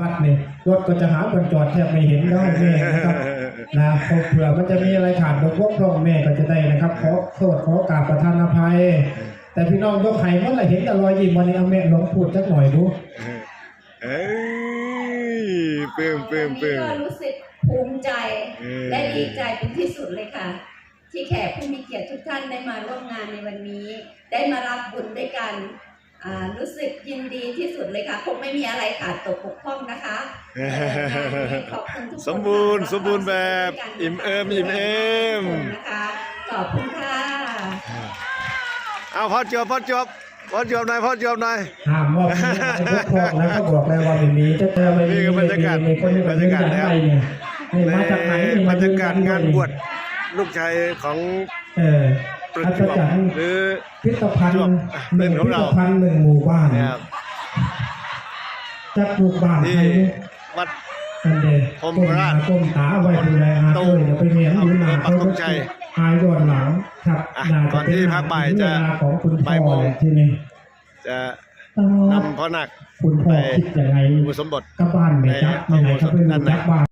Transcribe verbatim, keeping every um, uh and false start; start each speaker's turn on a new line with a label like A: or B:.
A: วัดเนี่ยรถก็จะหาคนจอดแทบไม่เห็นได้แม่นะครับนะเผื่อมันจะมีอะไรขาดบกพร่องแม่ก็จะได้นะครับขอโทษขอกราบประทานอภัยแต่พี่น้องยกไข่เมื่อไหร่เห็นแต่รอยยิ้มวันนี้เอาแม่ลองพูดสักหน่อยดู
B: เอ้ยเพิ่มเพิ่มเพิ่ม
C: ก็รู้สึกภูมิใจและดีใจเป็นที่สุดเลยค่ะที่แขกผู้มีเกียรติทุกท่านได้มาร่วมงานในวันนี้ได้มารับบุญด้วยกันรู้สึกยินดีที่สุดเลยค่ะคงไม่มีอะไรขาดตกบกพร่องนะคะขอบคุณทุกคน
B: สมบูรณ์สมบูรณ์แบบอิ่มเอิมอิ่มเอิม
C: นะคะขอบคุณค่ะ
B: เอาพ่อจบพ่อจบพ่อจบหน่อยพ่อจบหน่อย
A: ห้ามว่าไม่ได้บกพร่องแล้วก็บอกแล้วว่าไม่มีจะเจอไม่มี
B: บรรยากาศ
A: มีคนที่บรรยากาศแล้วนี่มาจากไหน
B: บรรยากาศงานบวชลูกชายของ
A: เอออาจารย์
B: หรือ
A: พิพิธภัณฑ์หนึ่งพิพิธภัณฑ์หนึ่งหมู่บ้านจากหมู่บ้านที่
B: วัด
A: กันเดชก้มตาก้มตาไว้ดูแลอาตุ้ยเดี๋ยวไปเมียนดูหนาเขาก็อายย้อนหลังครับ
B: ก่อนที่พระบ่ายจะ
A: ของคุณพ่อที่นี่
B: จะนำพ่อหนัก
A: คุณพ่อคิดยังไง
B: อุปสมบท
A: กับบ้านไหมครับไหนเขาเป็นจักบ้าน